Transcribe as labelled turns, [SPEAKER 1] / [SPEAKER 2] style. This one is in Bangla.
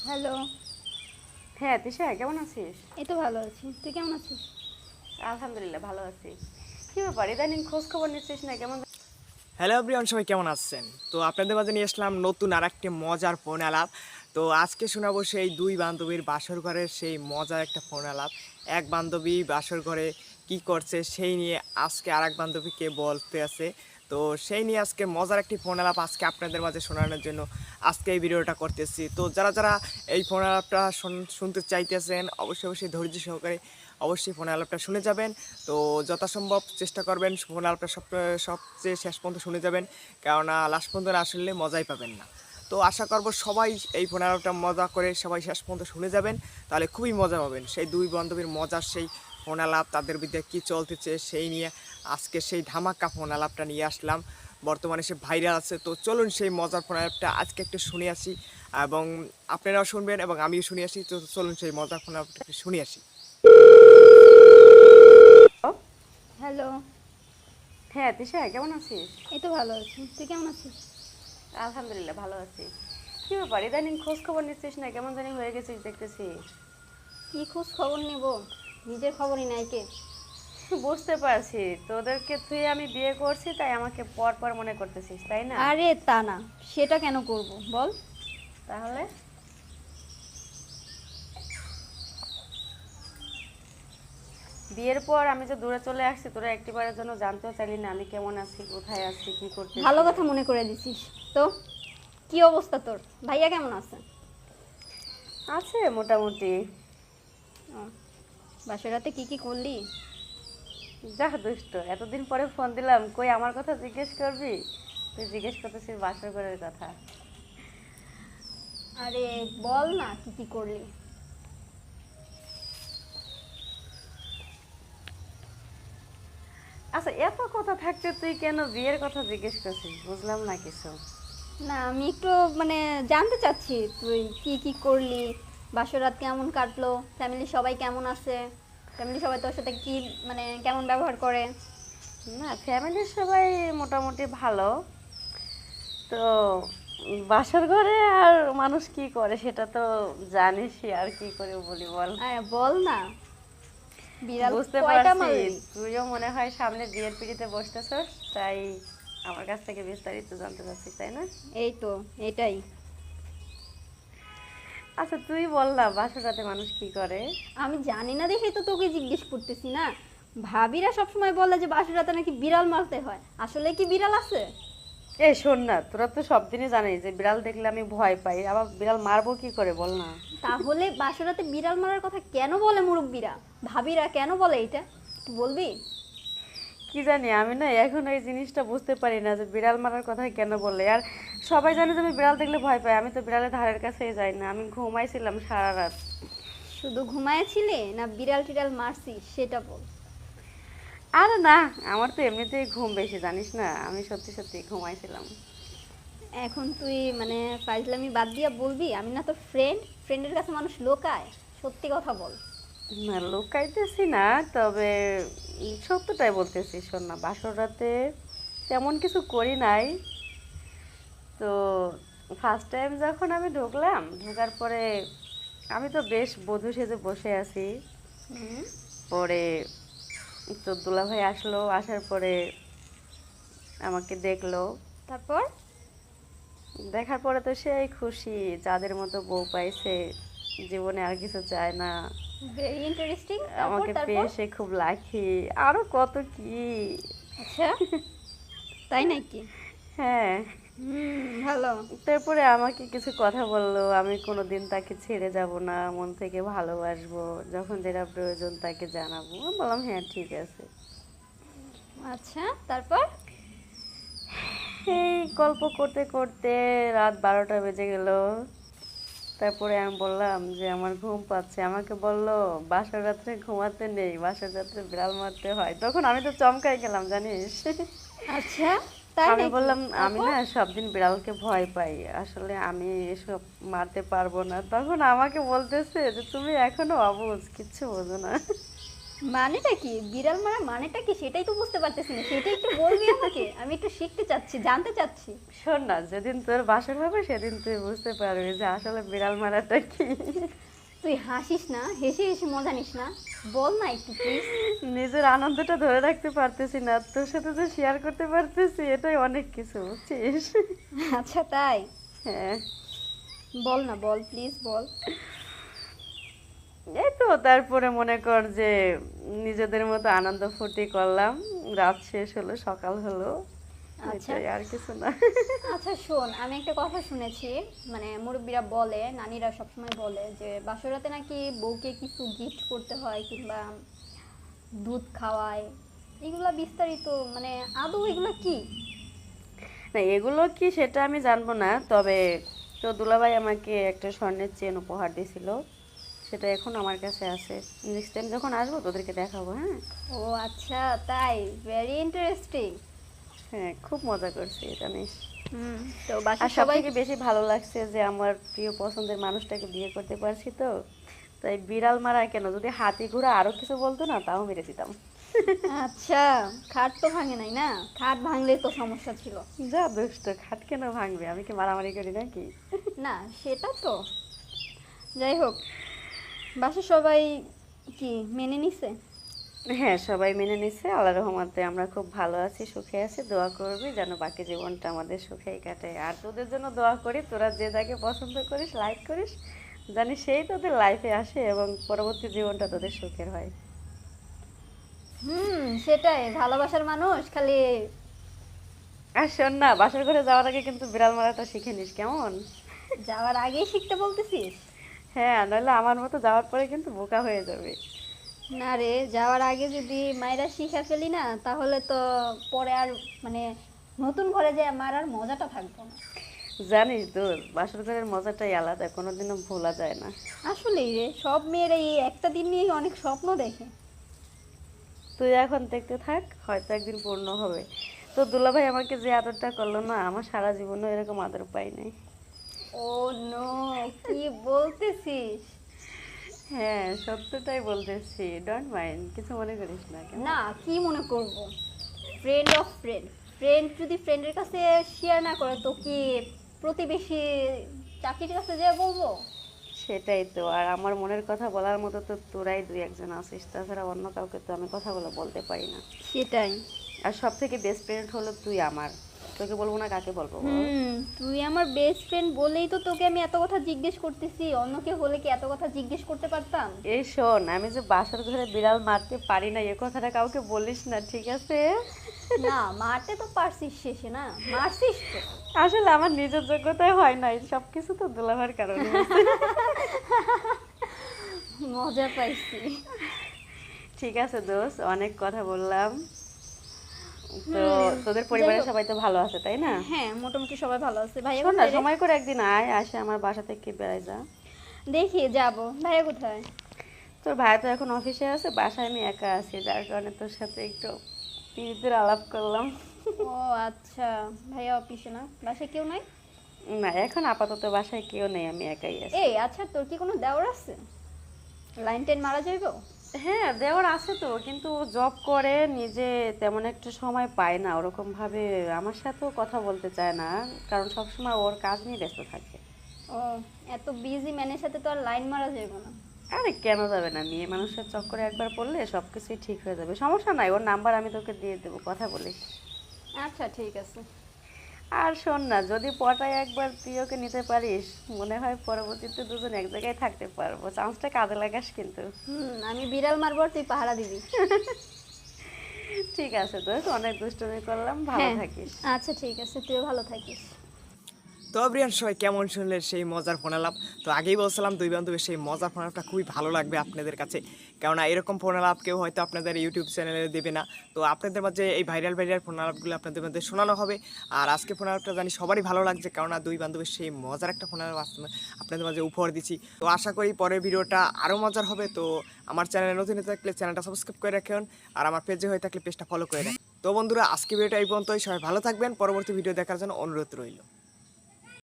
[SPEAKER 1] হ্যালো।
[SPEAKER 2] হ্যাঁ, তিশা কেমন আছিস?
[SPEAKER 1] এই তো ভালো আছি, তুই কেমন আছিস?
[SPEAKER 2] আলহামদুলিল্লাহ ভালো আছি। কি ব্যাপার ইদানিং খোঁজ খবর নিচ্ছিস না কেমন?
[SPEAKER 3] হ্যালো এভরিওয়ান, সবাই কেমন আছেন? তো আপনাদের মাঝে নিয়ে আসলাম নতুন আর একটি মজার ফোন আলাপ। তো আজকে শোনাবো সেই দুই বান্ধবীর বাসর ঘরের সেই মজার একটা ফোন আলাপ। এক বান্ধবী বাসর ঘরে কি করছে সেই নিয়ে আজকে আর এক বান্ধবীকে বলতে আছে। তো সেই নিয়ে আজকে মজার একটি ফোন আলাপ আজকে আপনাদের মাঝে শোনানোর জন্য আজকে এই ভিডিওটা করতেছি। তো যারা যারা এই ফোন আলাপটা শুনতে চাইতেছেন অবশ্যই অবশ্যই ধৈর্য সহকারে অবশ্যই ফোন আলাপটা শুনে যাবেন। তো যথাসম্ভব চেষ্টা করবেন ফোন আলাপটা সবচেয়ে শেষ পর্যন্ত শুনে যাবেন, কেননা লাস্ট পর্যন্ত না শুনলে মজাই পাবেন না। তো আশা করব সবাই এই ফোন আলাপটা মজা করে সবাই শেষ পর্যন্ত শুনে যাবেন, তাহলে খুবই মজা পাবেন। সেই দুই বান্ধবীর মজার সেই ফোন আলাপ, তাদের বিদ্যা কী চলতেছে সেই নিয়ে আজকে সেই ধামাকা ফোন আলাপটা নিয়ে আসলাম। বর্তমানে সে ভাইরাল আছে। তো চলুন সেই মজার ফোন আলাপটা আজকে একটু শুনে আসি, এবং আপনারাও শুনবেন এবং আমিও শুনে আসি। তো চলুন সেই মজার ফোন আলাপটা একটু শুনে আসি।
[SPEAKER 1] হ্যালো।
[SPEAKER 2] হ্যাঁ, তিশা কেমন আছিস?
[SPEAKER 1] এই তো ভালো আছি, তুই কেমন আছিস?
[SPEAKER 2] আলহামদুলিল্লাহ ভালো আছি। কি ব্যাপার ইদানিং খোঁজ খবর নিচ্ছিস না কেমন জানি হয়ে গেছিস দেখতেছি।
[SPEAKER 1] কি খোঁজ খবর নেব, নিজের খবরই নাই কে।
[SPEAKER 2] বুঝতে পারছি তোদেরকে তুই আমি বিয়ে করছি তাই আমাকে পর পর মনে করতেছিস, তাই না?
[SPEAKER 1] আরে তা না, সেটা কেন করব বল।
[SPEAKER 2] তাহলে বিয়ের পর আমি যে দূরে চলে আসছি তোরা একটিবারের জন্য জানতেও চাইলি না আমি কেমন আছি, কোথায় আছি, কি করতেছি।
[SPEAKER 1] ভালো কথা মনে করে দিছিস। তো কি অবস্থা তোর? ভাইয়া কেমন আছে?
[SPEAKER 2] আছে মোটামুটি।
[SPEAKER 1] ও, বাসর রাতে কি কি করলি?
[SPEAKER 2] যা দুষ্ট, এতদিন পরে ফোন দিলাম, কই আমার কথা জিজ্ঞেস করবি? তুই জিজ্ঞেস করতেছিস বাসর ঘরের কথা।
[SPEAKER 1] আরে বল না কি কি করলি।
[SPEAKER 2] আচ্ছা, এত কথা থাকতে তুই কেন বিয়ের কথা জিজ্ঞেস করছিস বুঝলাম না কিছু।
[SPEAKER 1] না আমি একটু মানে জানতে চাচ্ছি তুই কি কি করলি, বাসর রাত কেমন কাটলো, ফ্যামিলি সবাই কেমন আছে, ফ্যামিলি সবাই তোর সাথে কি মানে কেমন ব্যবহার করে।
[SPEAKER 2] না, ফ্যামিলির সবাই মোটামুটি ভালো। তো বাসর ঘরে আর মানুষ কি করে সেটা তো জানিসই, আর কি করে বলি বল।
[SPEAKER 1] বল না, বিড়াল
[SPEAKER 2] বুঝতে
[SPEAKER 1] কয়টা
[SPEAKER 2] পারছি
[SPEAKER 1] মারলি?
[SPEAKER 2] তুইও মনে হয় সামনে বিয়ের পিড়িতে বসতেছস, তাই আমার কাছ থেকে বিস্তারিত জানতে চাচ্ছিস, তাই না?
[SPEAKER 1] এই তো এটাই।
[SPEAKER 2] আচ্ছা তুই বল না বাসর রাতে মানুষ কি করে।
[SPEAKER 1] আমি জানি না দেখেই তো তোকে জিজ্ঞেস করতেছি না। ভাবিরা সবসময় বলে যে বাসর রাতে নাকি বিড়াল মারতে হয়, আসলে কি বিড়াল আছে?
[SPEAKER 2] এই শোন না, তোরা তো সব দিনই জানিস যে বিড়াল দেখলে আমি ভয় পাই, আবার বিড়াল মারবো কি করে বল না।
[SPEAKER 1] তাহলে বাসর রাতে বিড়াল মারার কথা কেন বলে মুরব্বীরা, ভাবিরা কেন বলে এটা একটু বলবি?
[SPEAKER 2] কি জানি, আমি না এখন এই জিনিসটা বুঝতে পারি না যে বিড়াল মারার কথা কেন বলে। আর সবাই জানে যে আমি বিড়াল দেখলে ভয় পাই, আমি তো বিড়ালের ধারের কাছেই যাই না, আমি ঘুমাইছিলাম সারা রাত।
[SPEAKER 1] শুধু ঘুমায়েছিলে না বিড়াল টিড়াল মারছিস সেটা বল।
[SPEAKER 2] আর না, আমার তো এমনিতেই ঘুম বেশি জানিস না, আমি সত্যি সত্যি ঘুমাইছিলাম।
[SPEAKER 1] এখন তুই মানে ফাইজলামি বাদ দিয়া বলবি আমি না তোর ফ্রেন্ড, ফ্রেন্ডের কাছে মানুষ লোকায়, সত্যি কথা বল।
[SPEAKER 2] না লুকাইতেছি না, তবে সত্যটাই বলতেছি। শোন না, বাসর রাতে তেমন কিছু করি নাই। তো ফার্স্ট টাইম যখন আমি ঢুকলাম, ঢোকার পরে আমি তো বেশ বধূ সেজে বসে আছি।
[SPEAKER 1] হুম,
[SPEAKER 2] পরে তো দুলাভাই আসলো, আসার পরে আমাকে দেখলো।
[SPEAKER 1] তারপর?
[SPEAKER 2] দেখার পরে তো সেই খুশি, যাদের মতো বউ পাইছে, জীবনে আর কিছু চায় না।
[SPEAKER 1] Very interesting. তারপর
[SPEAKER 2] আমাকে
[SPEAKER 1] তারপর?
[SPEAKER 2] পেয়ে সে খুব লাকি, আরো কত কি।
[SPEAKER 1] আচ্ছা, তাই নাকি?
[SPEAKER 2] হ্যাঁ।
[SPEAKER 1] ভালো।
[SPEAKER 2] তারপরে আমাকে কিছু কথা বললো, আমি কোনোদিন তাকে ছেড়ে যাব না, মন থেকে ভালোবাসবো, যখন যেটা প্রয়োজন তাকে জানাবো। আমি বললাম হ্যাঁ ঠিক আছে।
[SPEAKER 1] আচ্ছা, তারপর?
[SPEAKER 2] এই গল্প করতে করতে রাত 12টা বেজে গেল। তারপরে আমি বললাম যে আমার ঘুম পাচ্ছে, আমাকে বলল বাসার রাত্রে ঘুমাতে নেই, বাসার রাত্রে বিড়াল মারতে হয়। তখন আমি তো চমকাই গেলাম জানিস।
[SPEAKER 1] আচ্ছা, তাই
[SPEAKER 2] আমি
[SPEAKER 1] নাকি?
[SPEAKER 2] বললাম আমি
[SPEAKER 1] তারপর?
[SPEAKER 2] না সব দিন বিড়ালকে ভয় পাই, আসলে আমি এসব মারতে পারবো না। তখন আমাকে বলতেছে যে তুমি এখনো অবুঝ, কিচ্ছু বোঝো না।
[SPEAKER 1] মানেটা কি বিড়াল মারা মানেটা কি সেটাই তো বুঝতে পারতেছি না, সেটাই একটু বলবি আমাকে, আমি একটু শিখতে চাচ্ছি, জানতে চাচ্ছি।
[SPEAKER 2] শোন না, যেদিন তোর বাসর হবে সেদিন তুই বুঝতে পারবি যে আসলে বিড়াল মারাটা কি।
[SPEAKER 1] তুই হাসিস না, হেসে হেসে মজা নিস না, বল না একটু প্লিজ।
[SPEAKER 2] নিজের আনন্দটা ধরে রাখতে পারতেছি না, তোর সাথে যে শেয়ার করতে পারতেছি এটাই অনেক কিছু, বুঝছিস?
[SPEAKER 1] আচ্ছা তাই,
[SPEAKER 2] হ্যাঁ,
[SPEAKER 1] বল না, বল প্লিজ বল।
[SPEAKER 2] এই তো তারপরে মনে কর যে নিজেদের মতো আনন্দ ফুর্তি করলাম, রাত শেষ হলো, সকাল হলো,
[SPEAKER 1] আচ্ছা।
[SPEAKER 2] এটাই, আর কিছু না।
[SPEAKER 1] আচ্ছা শোন, আমি একটা কথা শুনেছি, মানে মুরব্বীরা বলে, নানীরা সবসময় বলে যে বাসরাতে নাকি বউকে কিছু গিফট করতে হয় কিংবা দুধ খাওয়ায়, এগুলা বিস্তারিত মানে আদৌ এগুলা কি?
[SPEAKER 2] না, এগুলো কি সেটা আমি জানবো না, তবে তো দুলাভাই আমাকে একটা স্বর্ণের চেন উপহার দিয়েছিল, সেটা এখন আমার কাছে আছে। নেক্সট টাইম যখন আসবো তোদেরকে দেখাবো, হ্যাঁ।
[SPEAKER 1] ও আচ্ছা তাই, ভেরি ইন্টারেস্টিং।
[SPEAKER 2] হ্যাঁ, খুব মজা করছি এটা নিয়ে।
[SPEAKER 1] হুম, তো
[SPEAKER 2] আর
[SPEAKER 1] বাসার
[SPEAKER 2] সব
[SPEAKER 1] সবাই
[SPEAKER 2] থেকে বেশি ভালো লাগছে যে আমার প্রিয় পছন্দের মানুষটাকে বিয়ে করতে পারছি, তো তাই বিড়াল মারা কেন, যদি হাতি ঘোড়া আরো কিছু বলতো না তাও মেরে দিতাম।
[SPEAKER 1] আচ্ছা, খাট তো ভাঙে নাই না? খাট ভাঙলে তো সমস্যা ছিল।
[SPEAKER 2] যা দুষ্ট, খাট কেন ভাঙবে, আমি কি মারামারি করি নাকি?
[SPEAKER 1] না সেটা তো, যাই হোক, বাসার সবাই কি মেনে নিছে?
[SPEAKER 2] হ্যাঁ, সবাই মেনে নিচ্ছে, আল্লাহর রহমতে আমরা খুব ভালো আছি, সুখে আছি। দোয়া করবি যেন বাকি জীবনটা আমাদের সুখেই কাটে। আর তোদের জন্য দোয়া করি, তোরা যে যাকে পছন্দ করিস, লাইক করিস, জানি সেই তোদের লাইফে আসে এবং পরবর্তী জীবনটা তোদের সুখের হয়।
[SPEAKER 1] হুম, সেটাই, ভালোবাসার মানুষ খালি।
[SPEAKER 2] আর শোন না, বাসার ঘরে যাওয়ার আগে কিন্তু বিড়াল মারাটা শিখে নিস, কেমন?
[SPEAKER 1] যাওয়ার আগেই শিখতে বলতেছিস?
[SPEAKER 2] হ্যাঁ, নাহলে আমার মতো যাওয়ার পরে কিন্তু বোকা হয়ে যাবে।
[SPEAKER 1] না রে, যাওয়ার আগে যদি মায়েরা শিখে ফেলি না, তাহলে তো পরে আর মানে নতুন ঘরে যে মারার মজাটা থাকবো না।
[SPEAKER 2] জানিস দোস্ত, বাসর ঘরের মজাটাই আলাদা, কোনোদিনও ভোলা যায় না।
[SPEAKER 1] আসলেই রে, সব মেয়েরা এই একটা দিন নিয়ে অনেক স্বপ্ন দেখে।
[SPEAKER 2] তুই এখন দেখতে থাক, হয়তো একদিন পূর্ণ হবে। তো দুলাভাই আমাকে যে আদরটা করলো না, আমার সারা জীবনও এরকম আদর পাই নাই।
[SPEAKER 1] ও নো, কি বলতেছিস?
[SPEAKER 2] হ্যাঁ, সত্যটাই বলতেছি, ডোন্ট মাইন্ড, কিছু মনে করিস না, কেমন?
[SPEAKER 1] না, কি মনে করব, ফ্রেন্ড অফ ফ্রেন্ড, ফ্রেন্ড যদি ফ্রেন্ডের কাছে শেয়ার না করে তো কি প্রতিবেশী চাকরির কাছে যে বলবো?
[SPEAKER 2] সেটাই তো, আর আমার মনের কথা বলার মতো তো তোরাই দুই একজন আছিস, তাছাড়া অন্য কাউকে তো আমি কথাগুলো বলতে পারি না।
[SPEAKER 1] সেটাই।
[SPEAKER 2] আর সব থেকে বেস্ট ফ্রেন্ড হলো তুই আমার, তোকে বলবো না কাকে বলবো বল?
[SPEAKER 1] তুই আমার বেস্ট ফ্রেন্ড বলেই তো তোকে আমি এত কথা জিজ্ঞেস করতেছি, অন্য কেউ হলে কি এত কথা জিজ্ঞেস করতে পারতাম?
[SPEAKER 2] এই শোন, আমি যে বাসার ঘরে বিড়াল মারতে পারি না এ কথাটা কাউকে বলিস না, ঠিক আছে?
[SPEAKER 1] না, মারতে তো পারছিস শেষে, না মারছিস তো।
[SPEAKER 2] আসলে আমার নিজের যোগ্যতায় হয় নাই, সবকিছু তো দুলাভার কারণে হয়েছে।
[SPEAKER 1] মজা পাইছি।
[SPEAKER 2] ঠিক আছে দোস্ত, অনেক কথা বললাম। তো তোদের
[SPEAKER 1] যাই
[SPEAKER 2] পরিবারের
[SPEAKER 1] হোক।
[SPEAKER 2] সবাই তো ভালো আছে, তাই না?
[SPEAKER 1] হ্যাঁ, মোটামুটি সবাই ভালো আছে। ভাইয়া
[SPEAKER 2] শোন না,
[SPEAKER 1] কোথায় রে?
[SPEAKER 2] সময় করে একদিন আয়, আসে আমার বাসা থেকে বেড়াই যা।
[SPEAKER 1] দেখি যাব। ভাইয়া কোথায়?
[SPEAKER 2] তোর ভাই তো এখন অফিসে আছে, বাসায় আমি একা আছি, যার কারণে তোর সাথে একটু পিরিতের আলাপ করলাম।
[SPEAKER 1] ও আচ্ছা, ভাইয়া অফিসে না, বাসায় কেউ নাই?
[SPEAKER 2] না, এখন আপাতত বাসায় কেউ নেই, আমি একাই আছি।
[SPEAKER 1] এই আচ্ছা, তোর কি কোনো দেওর আছে? লাইন টেন মারা যাইবো?
[SPEAKER 2] হ্যাঁ, দেওয়ার আছে তো, কিন্তু জব করে, নিজে তেমন একটা সময় পায় না ওরকম ভাবে, আমার সাথেও কথা বলতে চায় না, কারণ সবসময় ওর কাজ নিয়ে ব্যস্ত থাকে।
[SPEAKER 1] ও, এত বিজি ম্যানের সাথে তো আর লাইন মারা যাইবো না।
[SPEAKER 2] আরে কেন যাবে না, মেয়ে মানুষের চক্করে একবার পড়লে সবকিছুই ঠিক হয়ে যাবে, সমস্যা নাই, ওর নাম্বার আমি তোকে দিয়ে দেবো, কথা বলিস।
[SPEAKER 1] আচ্ছা ঠিক আছে।
[SPEAKER 2] আর শোন না, যদি পটায় একবার তুই ওকে নিতে পারিস, মনে হয় পরবর্তীতে দুজন এক জায়গায় থাকতে পারবো, চান্সটা কাজে লাগাস কিন্তু।
[SPEAKER 1] আমি বিড়াল মারবো আর তুই পাহারা দিবি।
[SPEAKER 2] ঠিক আছে দোস্ত, অনেক দুষ্টুমি করলাম, ভালো
[SPEAKER 1] হ্যাঁ,
[SPEAKER 2] থাকিস।
[SPEAKER 1] আচ্ছা ঠিক আছে, তুইও ভালো থাকিস।
[SPEAKER 3] তো প্রিয়ান সবাই কেমন শুনলেন সেই মজার ফোন আলাপ। তো আগেই বলছিলাম দুই বান্ধবীর সেই মজার ফোন আলাপটা খুবই ভালো লাগবে আপনাদের কাছে, কেননা এরকম ফোন আলাপ কেউ হয়তো আপনাদের ইউটিউব চ্যানেলে দেবে না। তো আপনাদের মাঝে এই ভাইরাল ফোন আলাপগুলো আপনাদের মধ্যে শোনানো হবে। আর আজকে ফোন আলাপটা জানি সবারই ভালো লাগছে, কেননা দুই বান্ধবীর সেই মজার একটা ফোন আলাপ আপনাদের মাঝে উপহার দিচ্ছি। তো আশা করি পরের ভিডিওটা আরও মজার হবে। তো আমার চ্যানেলে নতুন হয়ে থাকলে চ্যানেলটা সাবস্ক্রাইব করে রাখুন, আর আমার পেজে হয়ে থাকলে পেজটা ফলো করে রাখুন। তো বন্ধুরা, আজকে ভিডিওটা এই পর্যন্তই, সবাই ভালো থাকবেন, পরবর্তী ভিডিও দেখার জন্য অনুরোধ রইল।